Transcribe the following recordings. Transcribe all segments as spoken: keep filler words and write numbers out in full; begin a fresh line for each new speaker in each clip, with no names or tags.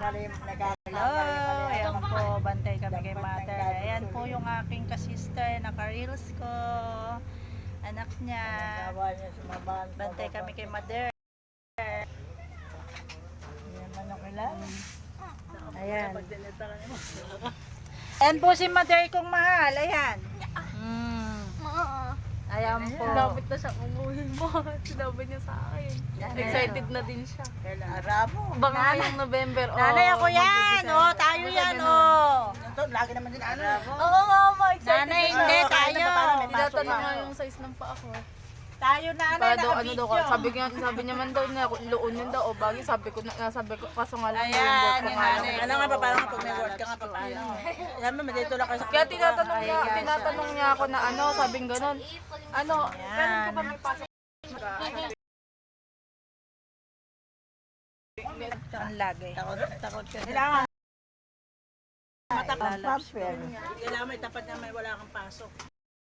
Hello, ayan po, bantay kami kay mother. Ayan po yung aking kasister, naka-reels ko. Anak niya. Bantay kami kay mother. Ayan. Ayan po si mother kong mahal. Ayan. Mm. Ayan po.
Sinabit na siya umuhin mo. Sinabi niya sa akin. Excited na din siya.
Arabo.
Baka ngayong November. Oh,
Nanay ako yan. Oh, tayo yan. Oh.
Ito, lagi naman din ano.
Oo nga, ma. Excited
Nanay,
na
hindi.
siya.
Tayo.
Tinatanong nga yung size ng paa ko.
Tayo nanay.
Para daw, ano
naka-video.
daw, sabi, niya, sabi niya man daw na luon yun daw. O bagay, sabi ko, na, sabi ko, kaso nga lang,
Ayan,
yung work ko
yung
nga lang.
nanay.
Ano nga pa, parang pag may word ka nga pa, paano? Alam mo, dito lang kayo sa
Kaya tinatanong niya, tinatanong niya ako na ano, sabing ganun. Ano, kailan ka ba may pasok?
Ang lagay.
Takot, takot ka.
Kailangan.
Matakot. Kailangan may tapat na may wala kang pasok.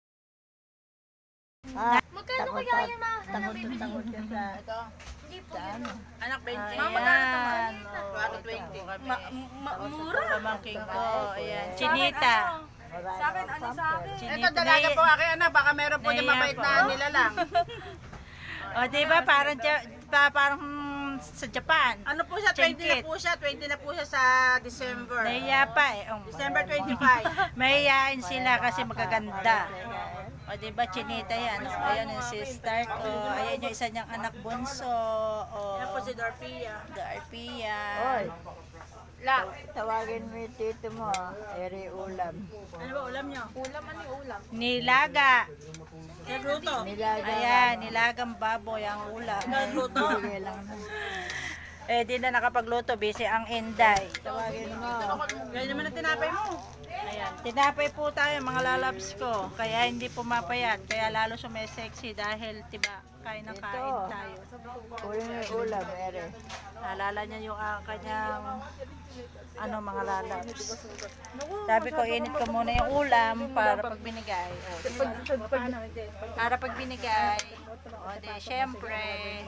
Ah,
Magkano kaya yun, ma?
takot, takot ka sa...
Hindi po yun.
Anak, twenty.
Ayan.
Ano, twenty.
Mura.
Pamangking ko. Ayan. Chinita.
Sa akin, ano sa akin?
Chinita.
Dalaga po akin, anak. Baka meron po yung mabait na nila lang.
O, diba? Parang, Ja- pa, parang hmm, sa Japan.
Ano po siya? twenty na
Chinkit.
po siya. twenty na po siya sa December.
Nahiya pa eh. Oh.
December twenty-five.
Mahihain sila kasi magaganda. O, diba? Chinita yan. O, ayan yung sister ko. Ayan yung isa niyang anak bunso. O,
Yan po si Dorpia.
Darpia.
La.
Tawagin mo yung tito mo, eri ulam. Ano ba ulam niyo?
Ulam, ano yung ulam?
Nilaga.
Nagluto.
Ayan, nilagang baboy ang ulam.
Nagluto.
Eh, di na nakapagluto. Busy ang Inday.
Tawagin mo. Ganyan naman ang tinapay mo.
Ayan. Tinapay po tayo, mga lalabs ko. Kaya hindi pumapayat. Kaya lalo sumisexy dahil, tiba, kain ng kain tayo.
Ulam yung ulam, eri.
Naalala niya yung uh, kanyang ano, mga lalabs. Sabi ko, init ko muna yung ulam para pag binigay. O, para pag binigay. O, di, syempre.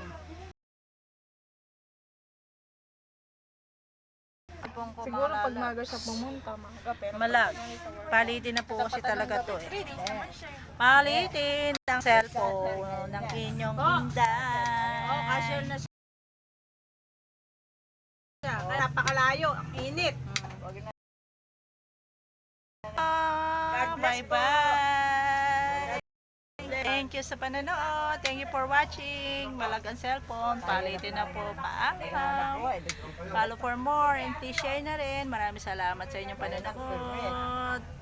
Siguro pag maga siya pumunta, mga pero
Malag. Palitin na po kasi talaga to eh. Palitin ang cellphone ng inyong inday.
Oh, cashier na siya. Kaya napakalayo. Ang init.
Ah,
bless po.
bye-bye. Thank you sa panonood. Thank you for watching. Malag ang cellphone. Palitin na po. Paalam. Follow for more and please share na rin. Maraming salamat sa inyong panonood.